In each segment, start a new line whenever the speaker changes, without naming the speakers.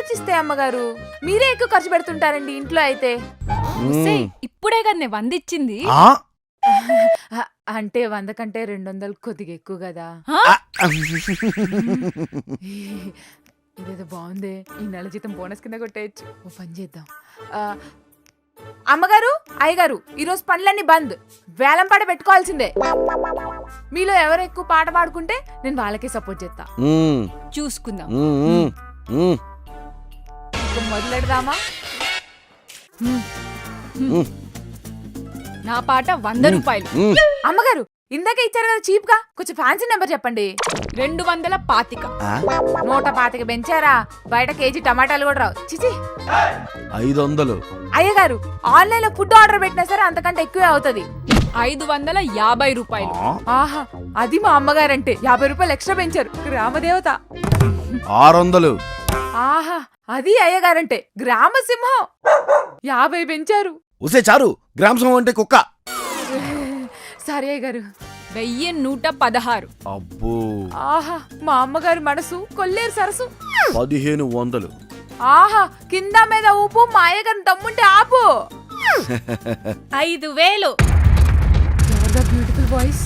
ఆలోచిస్తే అమ్మగారు మీరే ఎక్కువ ఖర్చు పెడుతుంటారండి ఇంట్లో అయితే.
ఇప్పుడే కదా వందిచ్చింది.
అంటే 100 కంటే 200 కొద్దిగా ఎక్కువ కదా. ఇదేదో బాగుందే, ఈ నెల జీతం బోనస్ కింద కొట్టేయచ్చు. ఓ పని చేద్దాం. అమ్మగారు అయ్యగారు ఈరోజు పనులన్నీ బంద్, వేలం పాట పెట్టుకోవాల్సిందే. మీలో ఎవరు ఎక్కువ పాట పాడుకుంటే నేను వాళ్ళకే సపోర్ట్ చేస్తా.
చూసుకుందాం.
మొదలెడదామా?
నా పాట 100 రూపాయలు.
అమ్మగారు ఇందాక ఇచ్చారు కదా చీప్ గా, కొంచెం ఫ్యాన్సీ నెంబర్ చెప్పండి.
225.
125 పెంచారా? బయట కేజీ టమాటాలు కూడా రావు. చిచి.
500.
అయ్యగారు ఆన్లైన్ లో ఫుడ్ ఆర్డర్ పెట్టినా సరే అంతకంటే ఎక్కువే అవుతుంది.
550 రూపాయలు.
ఆహా, అది మా అమ్మగారంటే 50 రూపాయలు ఎక్స్ట్రా పెంచారు. గ్రామదేవత.
600.
ఆహా, అది అయ్యగారంటే గ్రామ సింహం. 50 పెంచారు.
ఉసే చారు, గ్రామసం అంటే కుక్క.
సరే అయ్యగారు.
1116.
అబ్బో.
ఆహా, మా అమ్మగారి మనసు కొల్లేరు సరసు.
1500.
ఆహా, కింద మీద ఊపు, మా అయ్యగారిని దమ్ముంటే ఆపు.
5000.
ఎవరిదా బ్యూటిఫుల్ వాయిస్?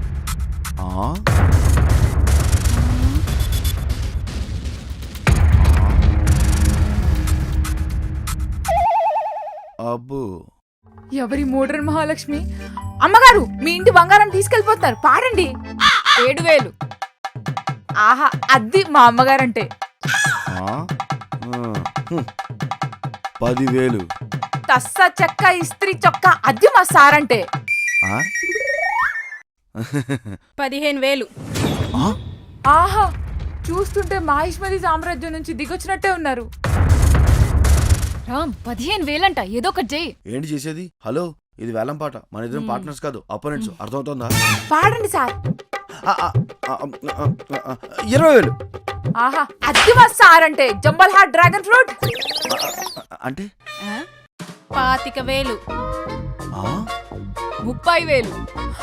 అబ్బో.
ఎవరి మోడ్రన్ మహాలక్ష్మి? అమ్మగారు మీ ఇంటి బంగారం తీసుకెళ్లిపోతున్నారు, పాడండి.
7000.
ఆహా, అది మా అమ్మగారంటే.
10,000.
తస్స చెక్క ఇస్త్రీ చొక్క, అది మా సారంటే.
15000.
ఆహా, చూస్తుంటే మహిష్మతి సామ్రాజ్యం నుంచి దిగొచ్చినట్టే ఉన్నారు.
రామ్, 15000 అంట, ఏదో ఒకటి చెయ్యి.
ఏంటి చేసేది? హలో, ఇది వేలం పాట, మన ఇద్దరం పార్ట్నర్స్ కాదు, అపోనెంట్స్. అర్థమవుతుందా?
పాడండి సార్.
20,000.
ఆహా, అది మా సారంటే. జంబల్ హార్ట్ డ్రాగన్ ఫ్రూట్
అంటే
25,000. 30,000.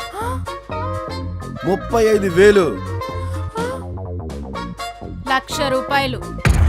35,000.
1,00,000 రూపాయలు.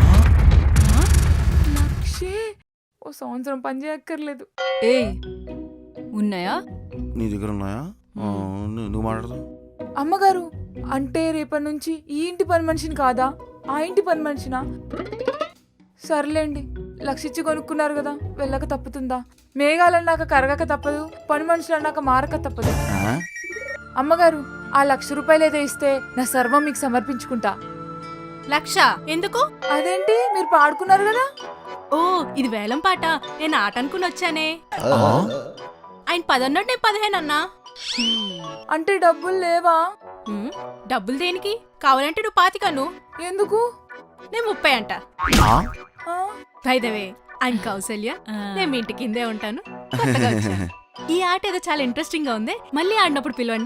లక్షే. ఓ సంవత్సరం పని చేయక్కర్లేదు.
ఏయ్, ఉన్నాయా?
నీ దగ్గర ఉన్నాయా? నువ్వు మాట్లాడదాం.
అమ్మగారు అంటే రేపటి నుంచి ఈ ఇంటి పని మనిషిని కాదా, ఆ ఇంటి పని మనిషినా? సర్లేండి, 1,00,000 ఇచ్చి కొనుక్కున్నారు కదా, వెళ్ళక తప్పుతుందా? మేఘాలన్నాక కరగక తప్పదు, పని మనుషులు అన్నాక మారక తప్పదు. అమ్మగారు ఆ 1,00,000 రూపాయలు ఏదో ఇస్తే నా సర్వం మీకు సమర్పించుకుంటా.
1,00,000 ఎందుకు?
అదేంటి, మీరు పాడుకున్నారు కదా.
ఓ, ఇది వేలం పాట, నేను ఆట అనుకుని వచ్చానే. ఆయన 10 అన్నాడు, నేను 15 అన్నా.
అంటే డబ్బులు లేవా?
డబ్బులు దేనికి? కావాలంటే నువ్వు 25.
ఎందుకు?
నేను 30 అంట.
ఆ?
బైదవే, ఆయన కౌసల్య, నేను మీ ఇంటి కిందే ఉంటాను. కొత్తగా వచ్చాను. ఈ ఆట ఏదో చాలా ఇంట్రెస్టింగ్ గా ఉంది, మళ్ళీ ఆడినప్పుడు పిలవండి.